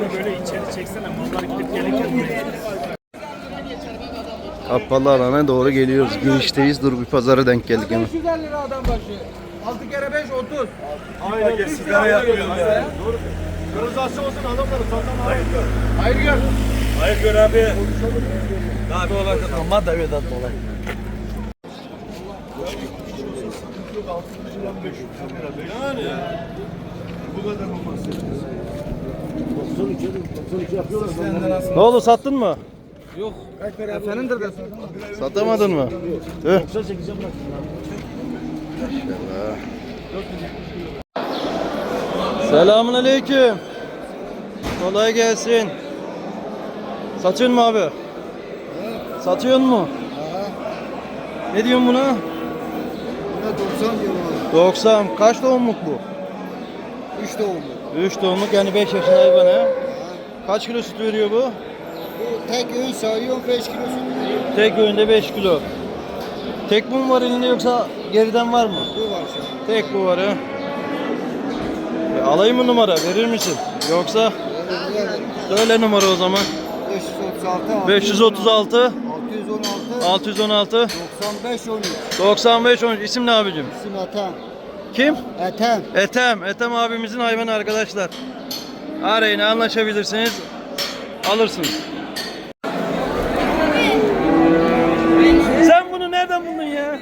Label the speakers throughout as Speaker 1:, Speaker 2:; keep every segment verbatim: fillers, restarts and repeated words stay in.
Speaker 1: böyle içeri çeksene. Mallar gidip gelirken.
Speaker 2: Kapalı alana doğru geliyoruz. Girişteyiz. Dur bir pazara denk geldik hemen.
Speaker 3: beş yüz elli lira adam başı. altı kere beş otuz.
Speaker 1: Aynen sigara yapıyoruz ya. Organizasyon olsun adamları satan hayır gör.
Speaker 3: Hayır gör.
Speaker 1: Hayır gör abi. Abi olay ama da evet olay. Yani bu kadar olmaz.
Speaker 2: Ne oldu, sattın mı?
Speaker 3: Yok. Kaç para? Efendim de
Speaker 2: Satamadın mı? Tüh. Selamun aleyküm. Kolay gelsin. Satıyorsun mu abi? Satıyorsun mu? Ne diyorsun buna?
Speaker 3: doksan diyorum abi.
Speaker 2: doksan. Kaç doğumluk bu?
Speaker 3: üç doğumlu.
Speaker 2: üç doğumluk, yani beş yaşında hayvan ha. Kaç kilo süt veriyor bu?
Speaker 3: Bu tek öğün sayıyor beş kilo süt veriyor.
Speaker 2: Tek öğünde beş kilo. Tek bu mu var elinde yoksa geriden var mı?
Speaker 3: Bu var şu an.
Speaker 2: Tek bu var ha. E, alayım mı numara, verir misin? Yoksa söyle numara o zaman.
Speaker 3: beş yüz otuz altı.
Speaker 2: beş yüz otuz altı
Speaker 3: altı yüz on altı.
Speaker 2: altı yüz on altı
Speaker 3: doksan beş on üç.
Speaker 2: doksan beş on üç. İsim ne abicim?
Speaker 3: İsim Ethem.
Speaker 2: Kim?
Speaker 3: Ethem.
Speaker 2: Ethem. Ethem abimizin hayvanı arkadaşlar. Arayın, anlaşabilirsiniz. Alırsınız. Sen bunu nereden buldun ya?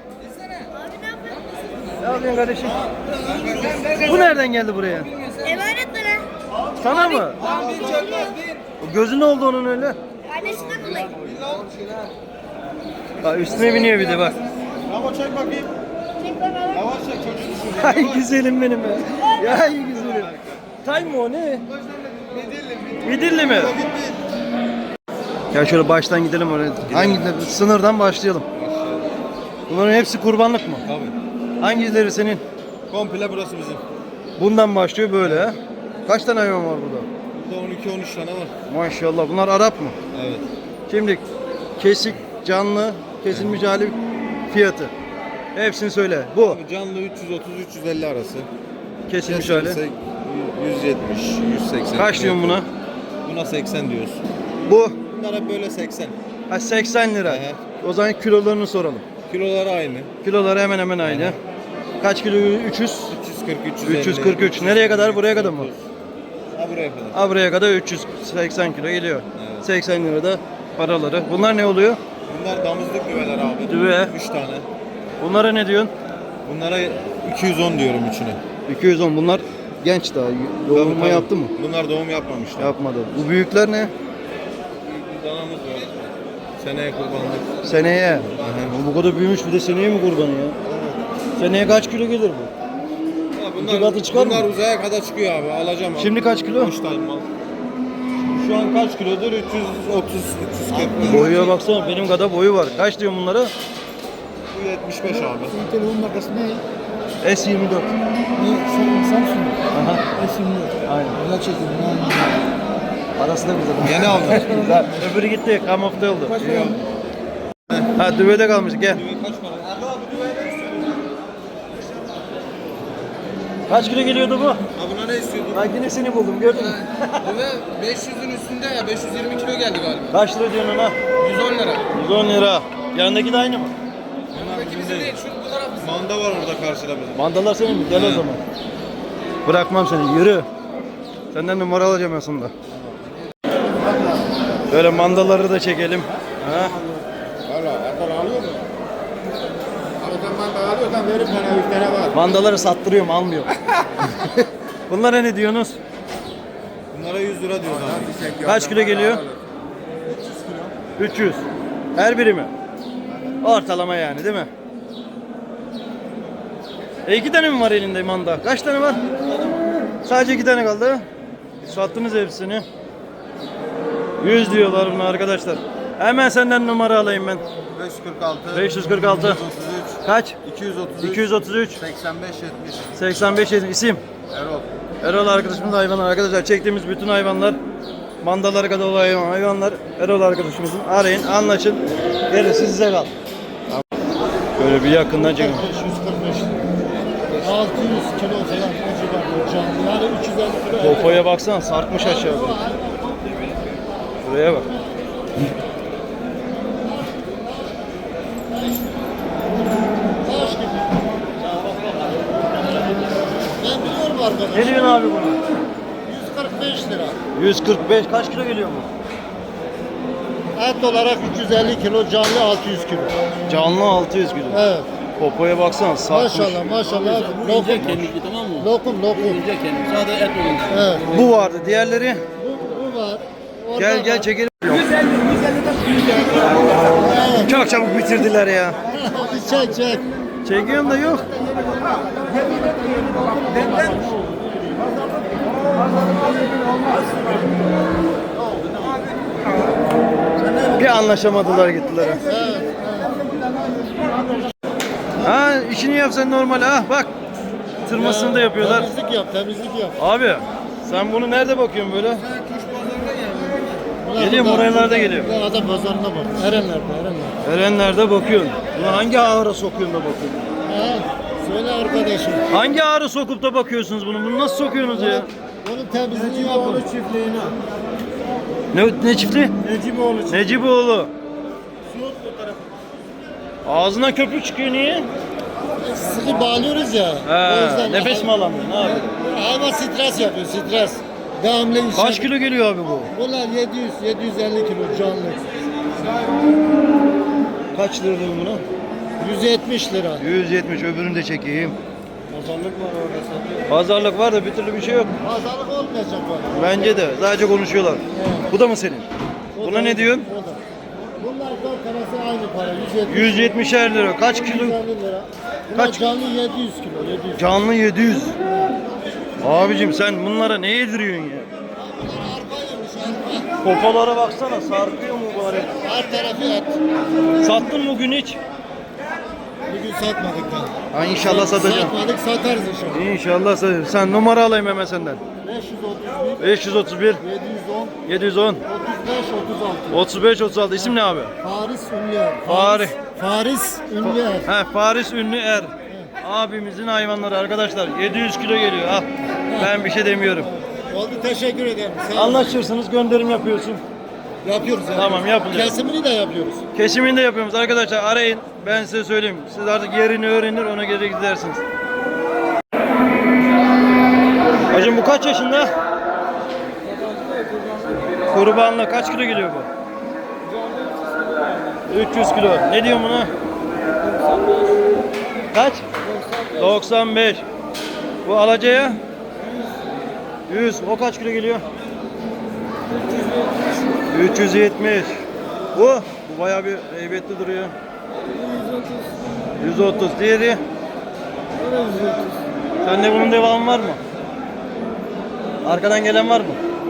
Speaker 2: Ne yapıyorsun kardeşim? Bu nereden geldi buraya?
Speaker 4: Emanet bana.
Speaker 2: Sana mı? O gözü ne oldu onun öyle?
Speaker 4: Annesinden dolayı.
Speaker 2: Bak üstüne biniyor bir de bak.
Speaker 1: Ama çek bakayım.
Speaker 4: Çek bana.
Speaker 1: Yavaş çek çocuğu düşürüyor.
Speaker 2: Ay güzelim benim ya. Ya iyi güzelim. Tay mı o ne? Midilli mi? Ya şöyle baştan gidelim oraya. Hangi sınırdan başlayalım? Bunların hepsi kurbanlık mı?
Speaker 1: Tabii.
Speaker 2: Hangileri senin?
Speaker 1: Komple burası bizim.
Speaker 2: Bundan başlıyor böyle ha. Kaç tane hayvan var burada?
Speaker 1: Burada on iki on üç tane var.
Speaker 2: Maşallah. Bunlar Arap mı?
Speaker 1: Evet.
Speaker 2: Şimdi kesik, canlı, kesilmiş hali, fiyatı. Hepsini söyle. Bu
Speaker 1: Abi canlı üç yüz otuz üç yüz elli arası.
Speaker 2: kesilmiş hali.
Speaker 1: Kesilirse yüz yetmiş yüz seksen.
Speaker 2: Kaç diyorsun buna?
Speaker 1: Buna seksen diyoruz.
Speaker 2: Bu
Speaker 1: Bunlar hep böyle seksen.
Speaker 2: ha, seksen lira.
Speaker 1: Ehe.
Speaker 2: O zaman kilolarını soralım.
Speaker 1: Kiloları aynı.
Speaker 2: Kiloları hemen hemen aynı. Kaç kilo? üç yüz.
Speaker 1: üç yüz kırk üç yüz elli.
Speaker 2: üç yüz kırk üç. Nereye kadar? Buraya kadar mı?
Speaker 1: Ha buraya kadar.
Speaker 2: Ha, buraya kadar üç yüz seksen kilo geliyor.
Speaker 1: Evet.
Speaker 2: seksen lira da paraları. Bunlar ne oluyor?
Speaker 1: Bunlar damızlık düveler abi.
Speaker 2: Düve.
Speaker 1: üç tane.
Speaker 2: Bunlara ne diyorsun?
Speaker 1: Bunlara iki yüz on diyorum üçüne.
Speaker 2: iki yüz on. Bunlar genç daha. Doğurma
Speaker 1: Tabii, tabii.
Speaker 2: yaptı mı?
Speaker 1: Bunlar doğum yapmamışlar.
Speaker 2: Yapmadı. Bu büyükler ne?
Speaker 1: Bir danamız var. Seneye kurbanlık.
Speaker 2: Seneye.
Speaker 1: Aha.
Speaker 2: Bu kadar büyümüş, bir de seneye mi kurbanı ya? Seneye kaç kilo gelir bu?
Speaker 1: Ya
Speaker 2: İki katı çıkar
Speaker 1: bunlar
Speaker 2: mı?
Speaker 1: uzaya kadar çıkıyor abi. Alacağım abi.
Speaker 2: Şimdi kaç kilo?
Speaker 1: üç tane mal. Şu an kaç kilodur? üç yüz otuz üç yüz kırk.
Speaker 2: Boyuya baksana, benim kadar boyu var. Kaç diyorsun bunlara?
Speaker 1: Bu yetmiş beş abi.
Speaker 3: Telefon markası ne?
Speaker 2: S yirmi dört.
Speaker 3: Ne? Samsung.
Speaker 2: Aha.
Speaker 3: S yirmi dört.
Speaker 2: Aynen.
Speaker 3: Güzel çekim.
Speaker 2: Parası da güzel.
Speaker 1: Yeni aldım.
Speaker 2: Güzel. Öbürü gitti, kamufle oldu. Ha, düvede kalmış, gel.
Speaker 1: Kaç para?
Speaker 2: Kaç kilo geliyordu bu?
Speaker 1: Ha buna ne istiyordun?
Speaker 2: Ben yine seni buldum, gördün mü?
Speaker 5: Ve beş yüzün üstünde ya beş yüz yirmi kilo geldi galiba.
Speaker 2: Kaç lira diyorsun ona?
Speaker 5: yüz on lira.
Speaker 2: yüz on lira. Yanındaki de aynı mı?
Speaker 5: Yanındaki bizim değil, şu bu taraf bizim.
Speaker 1: Manda var orada karşıda bizim.
Speaker 2: Mandalar senin mi? Gel o zaman. Bırakmam seni, yürü. Senden numara alacağım aslında. Böyle mandaları da çekelim. Ha?
Speaker 3: Valla Erdoğan alıyor mu? Abi sen manda alıyorsan verip bana üç tane var.
Speaker 2: Mandaları sattırıyorum, almıyorum. Bunlara ne diyorsunuz?
Speaker 1: Bunlara yüz lira diyoruz abi.
Speaker 2: Kaç kilo geliyor? üç yüz. Her biri mi? Ortalama yani, değil mi? E iki tane mi var elinde manda? Kaç tane var? Sadece iki tane kaldı. Sattınız hepsini. yüz diyorlar buna arkadaşlar. Hemen senden numara alayım ben.
Speaker 1: beş yüz kırk altı.
Speaker 2: beş yüz kırk altı.
Speaker 1: otuz üç.
Speaker 2: Kaç?
Speaker 1: iki yüz otuz üç.
Speaker 2: iki yüz otuz üç.
Speaker 1: seksen beş yetmiş.
Speaker 2: seksen beş isim.
Speaker 1: Erol.
Speaker 2: Erol arkadaşımız hayvanlar. Arkadaşlar çektiğimiz bütün hayvanlar, mandalara kadar olan hayvan- hayvanlar Erol arkadaşımızın. Arayın, anlaşın. Gerisi size kal. Böyle bir yakından çekin.
Speaker 3: beş yüz kırk beş. altı yüz kilo falan o civarda. canlı. Yani üç yüz elli kilo.
Speaker 2: Popoya baksana sarkmış aşağı. Buraya bak.
Speaker 3: Taş gibi. Ben biliyorum arkadaş.
Speaker 2: Ne diyorsun abi bunu?
Speaker 3: yüz kırk beş lira.
Speaker 2: yüz kırk beş kaç kilo geliyor bu?
Speaker 3: Et olarak üç yüz elli kilo, canlı altı yüz kilo.
Speaker 2: Canlı altı yüz kilo.
Speaker 3: Evet.
Speaker 2: Popoya baksana sarkmış.
Speaker 3: Maşallah maşallah. Lokum.
Speaker 5: Kendisi tamam mı?
Speaker 3: Lokum lokum.
Speaker 5: Yiyecek kendisi. Sadece et olunca.
Speaker 3: Evet.
Speaker 2: Bu vardı. Diğerleri
Speaker 3: Bu, bu var. Orada
Speaker 2: gel gel
Speaker 3: var.
Speaker 2: çekelim.
Speaker 3: Evet.
Speaker 2: Çok çabuk bitirdiler ya.
Speaker 3: Bir çek çek.
Speaker 2: Çekiyorum da yok. Bir anlaşamadılar gittiler. Ha işini yapsan normal ha bak. Tırmasını da yapıyorlar.
Speaker 3: Temizlik yap, temizlik yap.
Speaker 2: Abi sen bunu nerede bakıyorsun böyle?
Speaker 3: Bunlar
Speaker 2: Geliyor,
Speaker 3: burada-
Speaker 2: buralarda geliyor.
Speaker 3: Burada adam pazarında bak. Erenler'de, Erenler.
Speaker 2: Erenler'de bakıyorsun. Bunu hangi ağıra sokuyorsun da bakıyorsun?
Speaker 3: Ha, söyle arkadaşım.
Speaker 2: Hangi ağrı sokup da bakıyorsunuz bunu? Bunu nasıl sokuyorsunuz ya?
Speaker 3: Onun temizliğini yapın. çiftliğine.
Speaker 2: Ne, ne çiftli?
Speaker 3: Neciboğlu çiftliği.
Speaker 2: Neciboğlu. Ağzından köpük çıkıyor niye?
Speaker 3: Sıkı bağlıyoruz ya.
Speaker 2: He,
Speaker 3: o yüzden
Speaker 2: nefes mi alamıyor? Ne yapıyor?
Speaker 3: Hayvan stres yapıyor, stres. Devamlı iş
Speaker 2: Kaç
Speaker 3: yapıyor.
Speaker 2: kilo geliyor abi bu?
Speaker 3: Bunlar yedi yüz yedi yüz elli kilo canlı.
Speaker 2: Kaç lira diyor buna?
Speaker 3: yüz yetmiş lira.
Speaker 2: yüz yetmiş öbürünü de çekeyim.
Speaker 3: Pazarlık var orada satıyor.
Speaker 2: Pazarlık var da bir türlü bir şey yok.
Speaker 3: Pazarlık olmayacak bana.
Speaker 2: Bence de. Sadece konuşuyorlar.
Speaker 3: Evet.
Speaker 2: Bu da mı senin?
Speaker 3: O
Speaker 2: Buna
Speaker 3: da-
Speaker 2: ne diyorsun?
Speaker 3: o da. Bunlar dört tanesi aynı para. yüz yetmiş.
Speaker 2: yüz yetmişer lira. Kaç kilo?
Speaker 3: yüz elli lira. Bunlar
Speaker 2: Kaç-
Speaker 3: canlı yedi yüz kilo. yedi yüz.
Speaker 2: Canlı yedi yüz. Abicim sen bunlara ne yediriyorsun ya?
Speaker 3: Bunlar arpa yemiş arpa.
Speaker 2: Popolara baksana sarkıyor mu bari?
Speaker 3: Her tarafı et.
Speaker 2: Sattın mı bugün hiç?
Speaker 3: Bugün satmadık da.
Speaker 2: Ha inşallah satacağım.
Speaker 3: Satmadık satarız inşallah.
Speaker 2: İnşallah satacağım. Sen numara alayım hemen senden.
Speaker 3: beş yüz otuz bir.
Speaker 2: beş yüz otuz bir,
Speaker 3: yedi yüz on.
Speaker 2: yedi yüz on,
Speaker 3: otuz beş otuz altı.
Speaker 2: otuz beş, otuz altı. İsim ne abi?
Speaker 3: Faris Ünlüer.
Speaker 2: Fari.
Speaker 3: Faris Ünlüer.
Speaker 2: He, Faris Ünlü Er. Abimizin hayvanları arkadaşlar. yedi yüz kilo geliyor. Al. Ben bir şey demiyorum.
Speaker 3: Oldu teşekkür ederim. Sağ olun.
Speaker 2: Anlaşırsınız, gönderim yapıyorsun.
Speaker 3: Yapıyoruz. yani.
Speaker 2: Tamam, yapılıyor.
Speaker 3: Kesimini de yapıyoruz.
Speaker 2: Kesimini de yapıyoruz arkadaşlar. Arayın. Ben size söyleyeyim. Siz artık yerini öğrenir, ona göre gidersiniz. Hacım bu kaç yaşında? Kurbanla kaç kilo geliyor bu? üç yüz kilo. Ne diyorsun buna? Kaç? doksan beş. Bu alacaya? yüz. O kaç kilo geliyor? üç yüz yetmiş. Bu? Bu bayağı bir heybetli duruyor. yüz otuz. Diğeri? Sende bunun devamı var mı? Arkadan gelen var mı?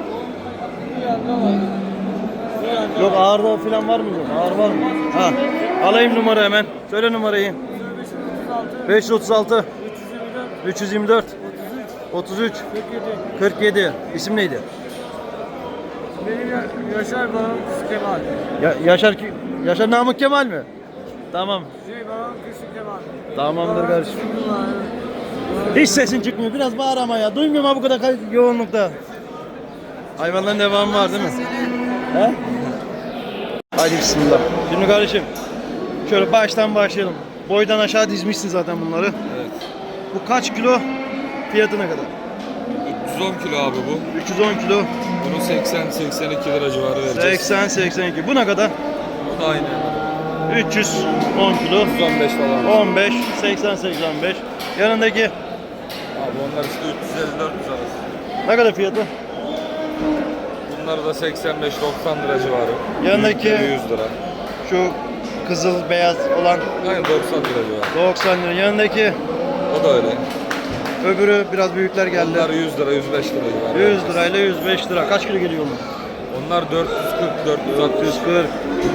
Speaker 2: Yok ağırda falan var mı? Yok. Ağır var mı? Ha. Alayım numara hemen. Söyle numarayı. beş yüz otuz altı üç yüz yirmi dört otuz üç kırk yedi. İsim neydi?
Speaker 6: Benim Yaşar Baran Kız Kemal.
Speaker 2: Ya, Yaşar ki Yaşar Namık Kemal mi? Tamam.
Speaker 6: Şey Baran Kız Kemal.
Speaker 2: Tamamdır kardeşim. Hiç sesin çıkmıyor. Biraz bağır ama ya. Duymuyorum ha bu kadar kay- yoğunlukta. Hayvanların devamı var değil mi? He? Hadi bismillah. Şimdi kardeşim şöyle baştan başlayalım. Boydan aşağı dizmişsin zaten bunları.
Speaker 7: Evet.
Speaker 2: Bu kaç kilo? Fiyatı ne kadar?
Speaker 7: üç yüz on kilo abi bu.
Speaker 2: üç yüz on kilo.
Speaker 7: Bunu seksen seksen iki lira civarı vereceğiz.
Speaker 2: seksen seksen iki. Bu ne kadar?
Speaker 7: Bu da aynı.
Speaker 2: üç yüz on kilo.
Speaker 7: üç yüz on beş falan.
Speaker 2: on beş, seksen seksen beş. Yanındaki
Speaker 7: Abi onlar işte üç yüz elli dört yüz arası.
Speaker 2: ne kadar fiyatı?
Speaker 7: Bunlar da seksen beş doksan lira civarı.
Speaker 2: Yanındaki-
Speaker 7: Büyükleri yüz lira.
Speaker 2: Şu kızıl beyaz olan
Speaker 7: Aynen doksan lira civarı.
Speaker 2: doksan lira. Yanındaki
Speaker 7: O da öyle.
Speaker 2: öbürü biraz büyükler geldi.
Speaker 7: Onlar yüz lira yüz beş lira civarı.
Speaker 2: yüz
Speaker 7: vereceğiz.
Speaker 2: lirayla yüz beş lira. Kaç kilo geliyor mu?
Speaker 7: Onlar dört yüz kırk dört yüz altmış.
Speaker 2: yüz kırk.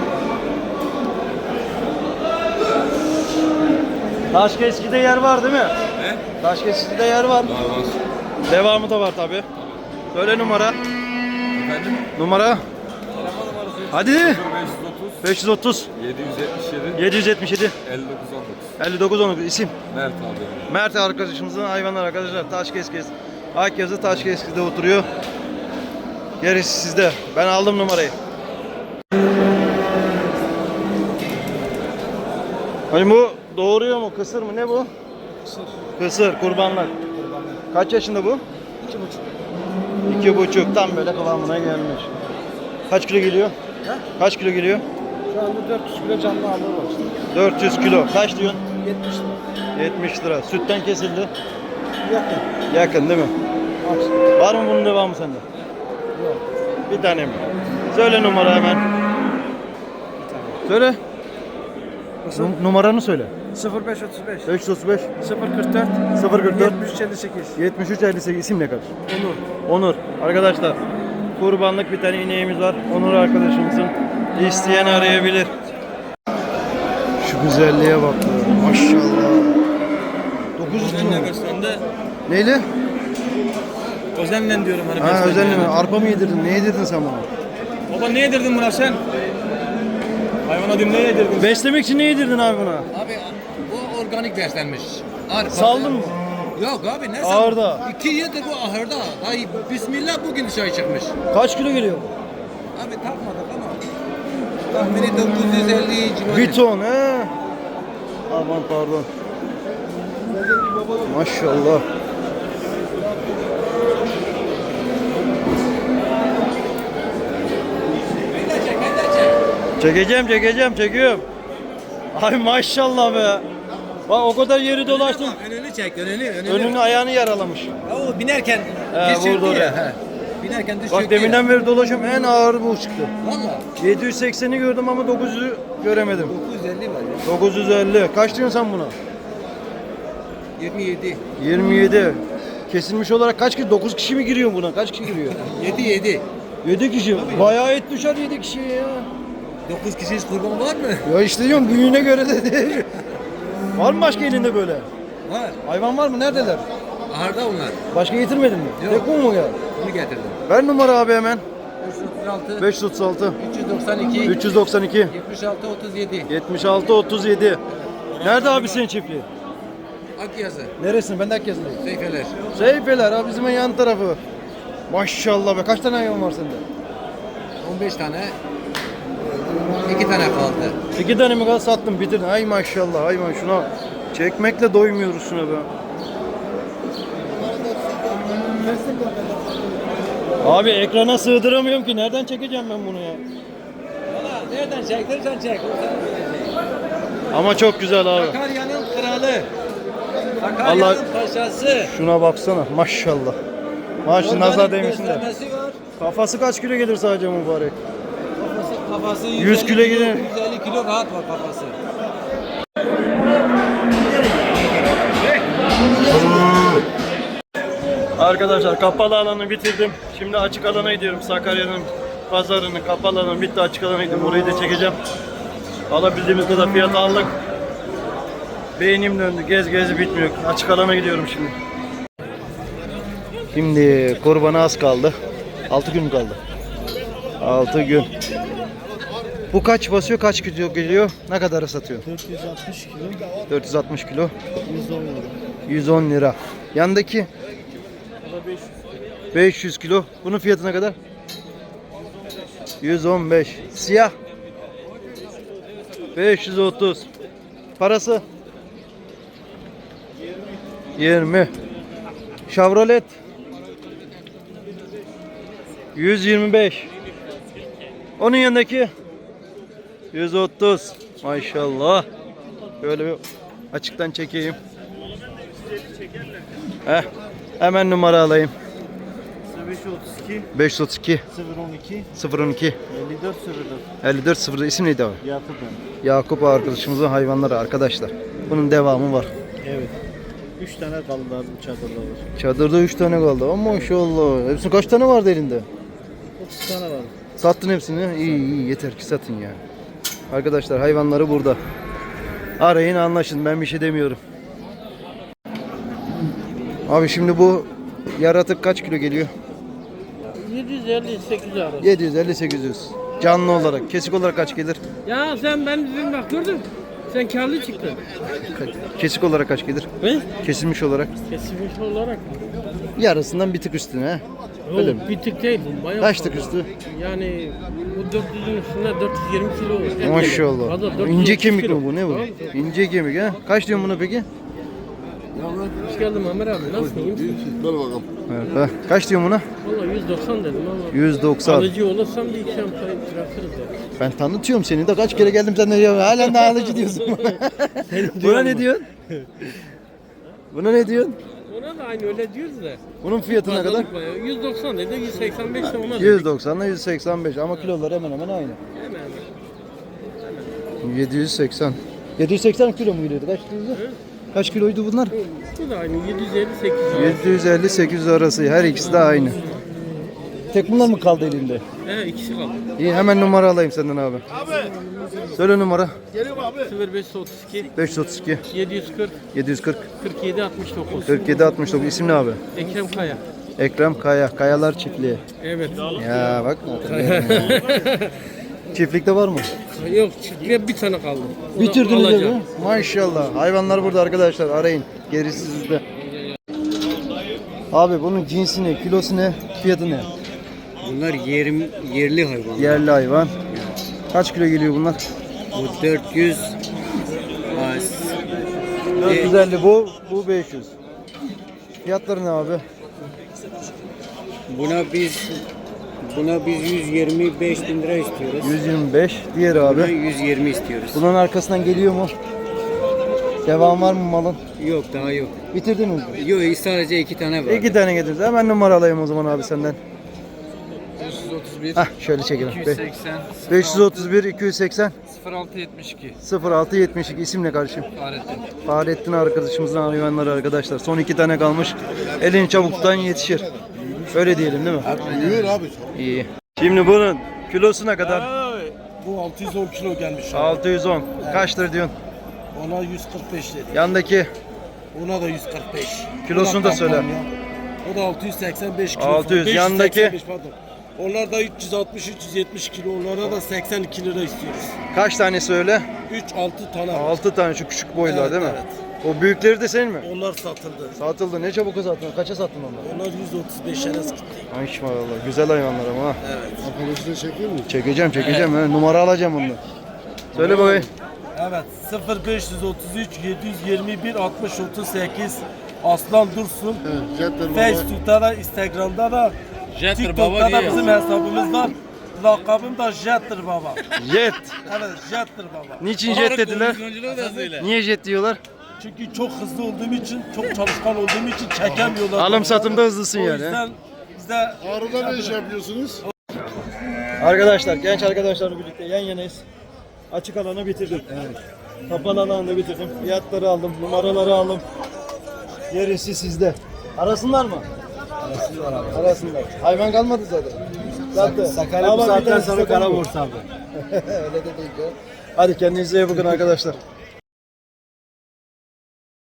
Speaker 2: Taşkeski'de yer var değil mi?
Speaker 7: Ne?
Speaker 2: Taşkeski'de yer var.
Speaker 7: Var var.
Speaker 2: Devamı da var tabi. Söyle numara.
Speaker 7: Efendim?
Speaker 2: Numara. Hadi.
Speaker 7: beş yüz otuz
Speaker 2: beş yüz otuz
Speaker 7: yedi yüz yetmiş yedi
Speaker 2: yedi yüz yetmiş yedi
Speaker 7: elli dokuz on dokuz.
Speaker 2: elli dokuz on dokuz. İsim.
Speaker 7: Mert abi.
Speaker 2: Mert arkadaşımızın hayvanlar arkadaşlar. Taşkeski. Akyazı Taşkeski'de oturuyor. Gerisi sizde. Ben aldım numarayı. Hani bu doğuruyor mu? Kısır mı? Ne bu? Kısır. Kısır, kurbanlar. Kaç yaşında bu?
Speaker 6: İki buçuk.
Speaker 2: İki buçuk. Tam böyle kıvamına gelmiş. Kaç kilo geliyor?
Speaker 6: He?
Speaker 2: Kaç kilo geliyor?
Speaker 6: Şu anda dört yüz kilo canlı ağırlığı var işte.
Speaker 2: dört yüz kilo. Kaç diyorsun?
Speaker 6: yetmiş lira.
Speaker 2: yetmiş lira. Sütten kesildi.
Speaker 6: Yakın.
Speaker 2: Yakın değil mi?
Speaker 6: Aç.
Speaker 2: Var mı bunun devamı sende?
Speaker 6: Yok.
Speaker 2: Bir tane mi? Söyle numara hemen. Söyle.
Speaker 6: Nasıl?
Speaker 2: Num- numaranı söyle.
Speaker 6: sıfır beş otuz beş.
Speaker 2: beş yüz otuz beş
Speaker 6: sıfır kırk dört.
Speaker 2: sıfır kırk dört
Speaker 6: yetmiş üç elli sekiz.
Speaker 2: yetmiş üç elli sekiz. İsim ne kadar?
Speaker 6: Onur.
Speaker 2: Onur. Arkadaşlar kurbanlık bir tane ineğimiz var. Onur arkadaşımızın. İsteyen arayabilir. Şu güzelliğe bak. ya. Maşallah. dokuz yüz kilo.
Speaker 5: beslendi.
Speaker 2: Neyle?
Speaker 5: Özenle diyorum hani
Speaker 2: Ha özellikle mi? Arpa mı yedirdin? Ne yedirdin sen bana?
Speaker 5: Baba ne yedirdin buna sen? Hayvana diyeyim ne yedirdin?
Speaker 2: Beslemek için ne yedirdin abi buna?
Speaker 8: Abi bu organik beslenmiş. Arpa.
Speaker 2: Saldın mı?
Speaker 8: Yok abi ne
Speaker 2: Ahırda.
Speaker 8: sal- İki yıldır bu ahırda. Ay bismillah bugün dışarı çıkmış.
Speaker 2: Kaç kilo geliyor?
Speaker 8: Abi takmadık ama tahmini dokuz yüz elli civarı.
Speaker 2: Bir ton he. Aman pardon. Maşallah. Çekeceğim çekeceğim çekiyorum. Ay maşallah be. Bak o kadar yeri dolaştım.
Speaker 8: Önünü çek önünü. Önünü.
Speaker 2: Önünü ayağını yaralamış.
Speaker 8: O binerken
Speaker 2: He,
Speaker 8: düşürdü
Speaker 2: vurdu
Speaker 8: ya.
Speaker 2: oraya.
Speaker 8: He. Binerken düşürdü
Speaker 2: Bak
Speaker 8: ya.
Speaker 2: deminden beri dolaşıyorum en ağır bu çıktı.
Speaker 8: Valla
Speaker 2: yedi yüz sekseni gördüm ama dokuz yüzü göremedim.
Speaker 8: dokuz yüz elli var ya.
Speaker 2: dokuz yüz elli. Kaç diyorsun sen buna?
Speaker 8: yirmi yedi.
Speaker 2: yirmi yedi. Kesilmiş olarak kaç kişi? dokuz kişi mi giriyor buna? Kaç kişi giriyor?
Speaker 8: yedi yedi.
Speaker 2: yedi kişi. Bayağı et düşer yedi kişiye ya.
Speaker 8: dokuz kişiyiz kurban var mı?
Speaker 2: Ya işte diyorum büyüğüne göre de değil. Var mı başka elinde böyle?
Speaker 8: Var.
Speaker 2: Hayvan var mı? Neredeler?
Speaker 8: Ahırda onlar.
Speaker 2: Başka getirmedin mi?
Speaker 8: Yok.
Speaker 2: Tek bu mu geldi?
Speaker 8: Bunu getirdim.
Speaker 2: Ver numara abi hemen.
Speaker 8: beş yüz otuz altı.
Speaker 2: beş yüz otuz altı
Speaker 8: üç yüz doksan iki.
Speaker 2: üç yüz doksan iki
Speaker 8: yetmiş altı otuz yedi.
Speaker 2: yetmiş altı otuz yedi. Nerede abi senin çiftliğin?
Speaker 8: Akyazı.
Speaker 2: Neresin? Ben de Akyazı'dayım.
Speaker 8: Seyfeler.
Speaker 2: Seyfeler abi bizim yan tarafı. Maşallah be. Kaç tane hayvan var sende?
Speaker 8: on beş tane. iki tane kaldı.
Speaker 2: İki tane mi kaldı sattım bitirdin. Ay maşallah hayvan şuna. Çekmekle doymuyoruz şuna be. Abi ekrana sığdıramıyorum ki. Nereden çekeceğim ben bunu ya?
Speaker 8: Valla nereden çektirsen çek.
Speaker 2: Ama çok güzel abi.
Speaker 8: Sakarya'nın kralı.
Speaker 2: Allah-
Speaker 8: Sakarya'nın paşası.
Speaker 2: Şuna baksana maşallah. Maşallah nazar değmesin de.
Speaker 8: Beslemesi var.
Speaker 2: Kafası kaç kilo gelir sadece mübarek?
Speaker 8: Kafası, kafası
Speaker 2: yüz kilo gelir.
Speaker 8: yüz elli kilo rahat var kafası.
Speaker 2: Arkadaşlar kapalı alanı bitirdim. Şimdi açık alana gidiyorum. Sakarya'nın pazarını kapalı alanı bitti, açık alana gidiyorum. Orayı da çekeceğim. Alabildiğimiz kadar fiyat aldık. Beynim döndü. Gez gez bitmiyor. Açık alana gidiyorum şimdi. Şimdi kurbana az kaldı. altı gün kaldı. altı gün. Bu kaç basıyor? Kaç kilo geliyor? Ne kadara satıyor?
Speaker 6: dört yüz altmış kilo.
Speaker 2: dört yüz altmış kilo.
Speaker 6: yüz on lira.
Speaker 2: yüz on lira. Yandaki
Speaker 6: O da beş yüz.
Speaker 2: beş yüz kilo. Bunun fiyatı ne kadar? yüz on beş. Siyah. beş yüz otuz. Parası? yirmi. Chevrolet. yüz yirmi beş. Onun yanındaki yüz otuz. Maşallah. Böyle bir açıktan çekeyim. Heh. Hemen numara alayım.
Speaker 6: beş yüz otuz iki.
Speaker 2: beş yüz otuz iki
Speaker 6: sıfır on iki.
Speaker 2: sıfır on iki
Speaker 6: elli dört sıfır dört.
Speaker 2: elli dört sıfır. İsim neydi abi?
Speaker 6: Yakup ben.
Speaker 2: Yakup arkadaşımızın hayvanları arkadaşlar. Bunun devamı var.
Speaker 6: Evet. üç tane kaldı abi bu çadırda var.
Speaker 2: Çadırda üç tane kaldı. Ama maşallah. Hepsi kaç tane vardı elinde?
Speaker 6: otuz tane var.
Speaker 2: Sattın hepsini. İyi iyi yeter ki satın ya. Arkadaşlar hayvanları burada. Arayın anlaşın. Ben bir şey demiyorum. Abi şimdi bu yaratık kaç kilo geliyor?
Speaker 6: yedi yüz elli sekiz yüz arası.
Speaker 2: yedi yüz elli sekiz yüz. Canlı olarak. Kesik olarak kaç gelir?
Speaker 6: Ya sen ben dedim bak gördün. Sen karlı çıktın.
Speaker 2: Kesik olarak kaç gelir?
Speaker 6: Ne?
Speaker 2: Kesilmiş olarak.
Speaker 6: Kesilmiş olarak mı?
Speaker 2: Yarısından bir tık üstüne he. Öyle mi?
Speaker 9: Yok, bir tık değil bu. Bayağı
Speaker 2: Kaç tık
Speaker 9: fazla.
Speaker 2: üstü?
Speaker 9: Yani bu dört yüzün üstünde dört yüz yirmi kilo olur. Et gelir.
Speaker 2: Maşallah.
Speaker 9: Fazla, dört yüz
Speaker 2: İnce
Speaker 9: otuz
Speaker 2: kemik
Speaker 9: kilo.
Speaker 2: mi bu? Ne bu?
Speaker 9: Tamam.
Speaker 2: İnce kemik ha? Kaç diyorsun buna peki?
Speaker 9: Hoş geldin Ömer abi. Nasılsın? İyi misin?
Speaker 3: Ver bakalım.
Speaker 2: Evet, ha. Kaç diyorsun buna?
Speaker 9: Valla yüz doksan dedim ama.
Speaker 2: yüz doksan.
Speaker 9: Alıcı olursam bir iki şampanya bırakırız ya.
Speaker 2: Ben tanıtıyorum seni de kaç kere geldim sen de ya halen daha alıcı diyorsun. Buna ne diyorsun? Buna ne diyorsun?
Speaker 9: Ona da aynı öyle diyoruz da.
Speaker 2: Bunun fiyatı ne kadar?
Speaker 9: Pazarlık bayağı. yüz doksan dedi, yüz seksen beş de ona dedik.
Speaker 2: yüz doksan ile yüz seksen beş ama kiloları hemen hemen aynı.
Speaker 9: Hemen hemen.
Speaker 2: yedi yüz seksen. yedi yüz seksen kilo mu gidiyordu? Kaç kiloydu? Kaç kiloydu bunlar?
Speaker 9: Bu da aynı yedi yüz elli sekiz yüz.
Speaker 2: yedi yüz elli sekiz yüz arası. Her ikisi de aynı. Tek bunlar mı kaldı elinde?
Speaker 9: He ikisi kaldı.
Speaker 2: İyi hemen numara alayım senden abi. Söyle numara.
Speaker 9: sıfır beş otuz iki
Speaker 2: beş yüz otuz iki
Speaker 9: yedi yüz kırk
Speaker 2: yedi yüz kırk
Speaker 9: kırk yedi altmış dokuz.
Speaker 2: kırk yedi altmış dokuz. İsim ne abi?
Speaker 9: Ekrem Kaya.
Speaker 2: Ekrem Kaya. Kayalar Çiftliği.
Speaker 9: Evet.
Speaker 2: Ya bak. Çiftlikte var mı?
Speaker 9: Yok çiftliğe bir tane kaldı. O da
Speaker 2: Bitirdiniz
Speaker 9: alacağım.
Speaker 2: mi? Maşallah. Hayvanlar burada arkadaşlar. Arayın. Gerisi sizde. Abi bunun cinsi ne? Kilosu ne? Fiyatı ne?
Speaker 8: Bunlar yerim, yerli hayvan.
Speaker 2: Yerli hayvan. Kaç kilo geliyor bunlar?
Speaker 8: Bu dört yüz. az.
Speaker 2: dört yüz elli bu, bu beş yüz. Fiyatları ne abi?
Speaker 8: Buna biz buna biz yüz yirmi beş bin lira istiyoruz.
Speaker 2: yüz yirmi beş. Diğeri
Speaker 8: Buna
Speaker 2: abi.
Speaker 8: yüz yirmi istiyoruz.
Speaker 2: Bunun arkasından geliyor mu? Devam var mı malın?
Speaker 8: Yok daha yok.
Speaker 2: Bitirdiniz mi?
Speaker 8: Yok sadece iki tane var.
Speaker 2: İki tane getirdiniz. Hemen numara alayım o zaman abi senden.
Speaker 7: beş yüz otuz bir,
Speaker 2: Hah şöyle çekelim.
Speaker 7: iki yüz seksen,
Speaker 2: beş yüz otuz bir, iki yüz seksen,
Speaker 7: sıfır altı yetmiş iki.
Speaker 2: sıfır altı yetmiş iki. İsim ne kardeşim?
Speaker 7: Fahrettin.
Speaker 2: Fahrettin arkadaşımızın hayvanları arkadaşlar. Son iki tane kalmış. Elin çabuktan yetişir. Öyle diyelim değil mi?
Speaker 3: Buyur abi.
Speaker 2: İyi. Şimdi bunun kilosu ne kadar?
Speaker 6: Bu altı yüz on kilo gelmiş.
Speaker 2: altı yüz on. Kaçtır diyorsun?
Speaker 6: Ona yüz kırk beş dedi.
Speaker 2: Yandaki
Speaker 6: Ona da yüz kırk beş.
Speaker 2: kilosunu da söyle.
Speaker 6: O da altı yüz seksen beş kilo.
Speaker 2: altı yüz,
Speaker 6: beş
Speaker 2: yandaki?
Speaker 6: seksen beş, pardon. Onlar da üç yüz altmış üç yüz yetmiş kilo. Onlara da seksen iki lira istiyoruz.
Speaker 2: Kaç tane söyle?
Speaker 6: üç altı tane. var.
Speaker 2: altı tane şu küçük boylar
Speaker 6: Evet,
Speaker 2: değil mi?
Speaker 6: evet.
Speaker 2: O büyükleri de senin mi?
Speaker 6: Onlar satıldı.
Speaker 2: Satıldı. Ne çabuk sattın? Kaça sattın onları?
Speaker 6: Onlar yüz otuz beşe gitti.
Speaker 2: Maşallah. Güzel hayvanlar ama ha.
Speaker 3: Arkadaşını çekiyor mu?
Speaker 2: Çekeceğim çekeceğim. he. Numara alacağım onu. Söyle bakayım.
Speaker 6: Evet. sıfır beş yüz otuz üç yedi yüz yirmi bir altmış otuz sekiz Aslan Dursun.
Speaker 3: Evet. Jetler baba.
Speaker 6: Facebook'ta da, Instagram'da da, TikTok'ta da bizim hesabımız var. Lakabım da Jet'tir baba.
Speaker 2: Jet.
Speaker 6: Evet, Jet'tir baba.
Speaker 2: Niçin jet dediler? Niye jet diyorlar?
Speaker 6: Çünkü çok hızlı olduğum için, çok çalışkan olduğum için çekemiyorlar.
Speaker 2: Alım satımda hızlısın
Speaker 6: O
Speaker 2: yani. he?
Speaker 6: yüzden bize
Speaker 3: Ağrı'da ne iş yapıyorsunuz?
Speaker 2: Arkadaşlar, genç arkadaşlarla birlikte yan yanayız. Açık alanı bitirdim. Kapalı alanı da bitirdim. Fiyatları aldım, numaraları aldım. Gerisi sizde. Arasınlar mı? Arasınlar abi. Arasınlar. Hayvan kalmadı zaten. Zaten.
Speaker 6: Sakarya bu saatten sonra kara borsa abi.
Speaker 2: Öyle de değil ya. Hadi kendinize iyi bakın arkadaşlar.